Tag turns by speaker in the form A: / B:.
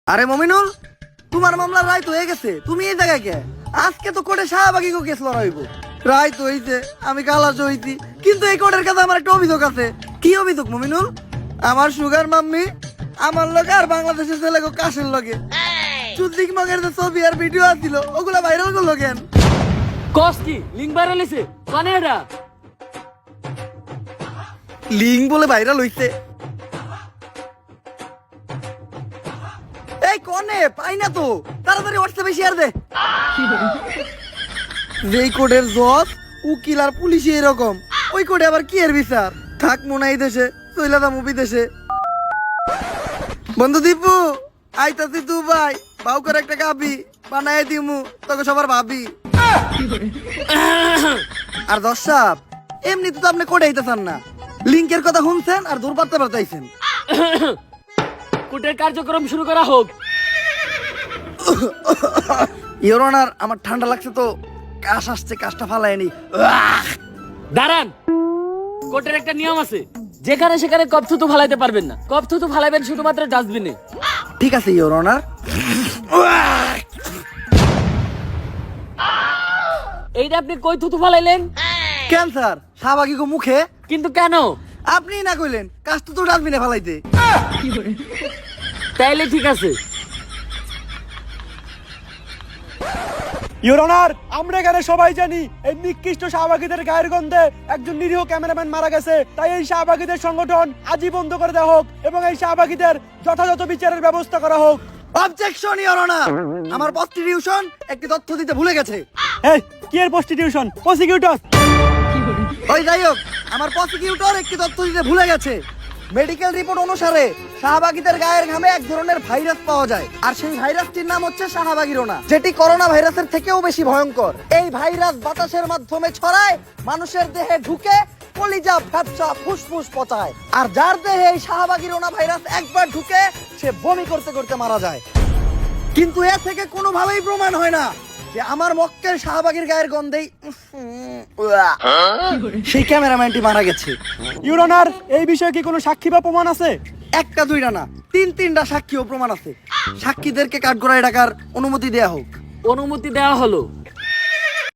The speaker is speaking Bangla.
A: আরে মমিনুল, তোমার মামলার রায় তো হয়ে গেছে, তুমি এই জায়গায় কে? আজকে তো কোর্টে শাহবাগী কেস লড়াইব। রায় তো হইছে, আমি কালাস হইছি, কিন্তু এই কোর্টের কাছে আমার একটা অভিযোগ আছে। কি অভিযোগ মমিনুল? আমার সুগার মাম্মি আমার লগে আর বাংলাদেশের ছেলে কাশের লগে চুদ্দিক মগের যে ছবি আর ভিডিও আছিল ওগুলা ভাইরাল করলো কেন?
B: কস কি লিঙ্ক ভাইরাল হইছে? কানে এটা
A: লিঙ্ক বলে ভাইরাল হইছে? এই কোনে পাই না তো, তাড়াতাড়ি হোয়াটসঅ্যাপে শেয়ার দে। যেই কোডের জজ উকিল আর পুলিশই এরকম, ওই কোডে আবার কি এর বিচার? থাক মনে এই দেশে, চইলাদা মুভি দেশে। বন্ধু দীপু, আইতাছি তু ভাই, বাউ করে একটা গাবি বানায় দিমু তোকে সবার ভাবি। আর দর্শক এমনি তো আপনি কোডে আইতেছেন না, লিঙ্কের কথা শুনছেন আর দূর পারতে পারতাইছেন।
B: কোর্টের কার্যক্রম শুরু করা হোক।
A: ইওর অনার, আমার ঠান্ডা লাগছে তো, কাশ আসছে, কাশটা ফালায়নি।
B: দাঁড়ান, কোর্টের একটা নিয়ম আছে, যেখানে সেখানে কপ থুতু ফালাইতে পারবেন না। কপ থুতু ফালাইবেন শুধুমাত্র ডাস্টবিনে।
A: ঠিক আছে ইওর অনার।
B: এইটা আপনি কই থুতু ফালাইলেন?
A: ক্যান্সার শাহবাগী গো মুখে।
B: কিন্তু কেন?
A: আপনি না কইলেন কাশ তো ডাস্টবিনে ফালাইতে।
B: তাইলে ঠিক আছে।
C: ইওর অনার, আমরা এখানে সবাই জানি এই নিকৃষ্ট শাহবাগীদের গায়ের গন্ধে একজন নিরীহ ক্যামেরাম্যান মারা গেছে। তাই এই শাহবাগীদের সংগঠন আজই বন্ধ করে দেওয়া হোক এবং এই শাহবাগীদের যথাযথ বিচারের ব্যবস্থা করা হোক।
A: অবজেকশন ইওর অনার, আমার প্রস্টিটিউশন একটি তথ্য দিতে ভুলে গেছে।
C: এই কি এর প্রস্টিটিউশন? প্রসিকিউটর।
A: ওই যাই হোক, আমার প্রসিকিউটর একটি তথ্য দিতে ভুলে গেছে। মেডিকেল রিপোর্ট অনুসারে শাহবাগীদের গায়ের ঘামে এক ধরনের ভাইরাস পাওয়া যায়, আর সেই ভাইরাসটির নাম হচ্ছে শাহবাগীরোনা, যেটি করোনা ভাইরাসের থেকেও বেশি ভয়ঙ্কর। এই ভাইরাস বাতাসের মাধ্যমে ছড়ায়, মানুষের দেহে ঢুকে কলিজা, ফ্যাপসা, ফুসফুস পচায়, আর যার দেহে এই শাহবাগীরোনা ভাইরাস একবার ঢুকে সে বমি করতে করতে মারা যায়। কিন্তু এ থেকে কোনোভাবেই প্রমাণ হয় না যে আমার মক্কেল শাহবাগীর গায়ের গন্ধেই সেই ক্যামেরাম্যানটি মারা গেছে।
C: ইওর অনার, এই বিষয়ে কি কোনো সাক্ষী বা প্রমাণ আছে?
A: একটা দুইটা না, তিনটা সাক্ষী ও প্রমাণ আছে। সাক্ষীদেরকে কাঠগড়ায় ডাকার অনুমতি দেয়া হোক।
B: অনুমতি দেওয়া হলো,